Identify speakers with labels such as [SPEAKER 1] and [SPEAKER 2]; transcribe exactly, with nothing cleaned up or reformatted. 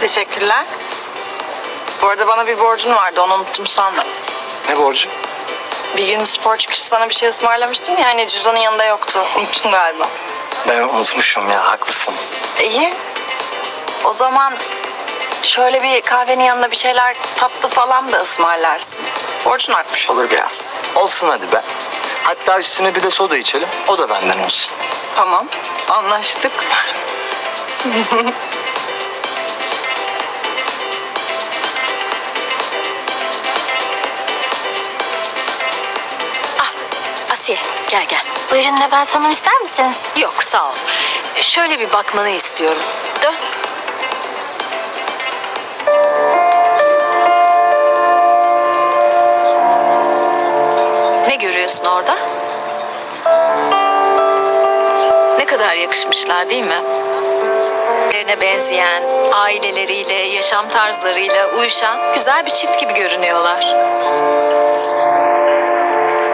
[SPEAKER 1] Teşekkürler. Bu arada bana bir borcun vardı, onu unuttum sandım.
[SPEAKER 2] Ne borcu?
[SPEAKER 1] Bir gün spor çıkışı sana bir şey ısmarlamıştım ya, hani cüzdanın yanında yoktu. Unuttun galiba.
[SPEAKER 2] Ben unutmuşum ya, haklısın.
[SPEAKER 1] İyi. O zaman şöyle bir kahvenin yanında bir şeyler, tatlı falan da ısmarlarsın. Borcun artmış olur biraz.
[SPEAKER 2] Olsun hadi be. Hatta üstüne bir de soda içelim. O da benden olsun.
[SPEAKER 1] Tamam, anlaştık.
[SPEAKER 3] Asiye gel gel.
[SPEAKER 4] Buyurun Nebahat Hanım, ister misiniz?
[SPEAKER 3] Yok sağ ol. Şöyle bir bakmanı istiyorum. Dön. Ne görüyorsun orada? Ne kadar yakışmışlar değil mi? Birbirlerine benzeyen, aileleriyle, yaşam tarzlarıyla uyuşan güzel bir çift gibi görünüyorlar.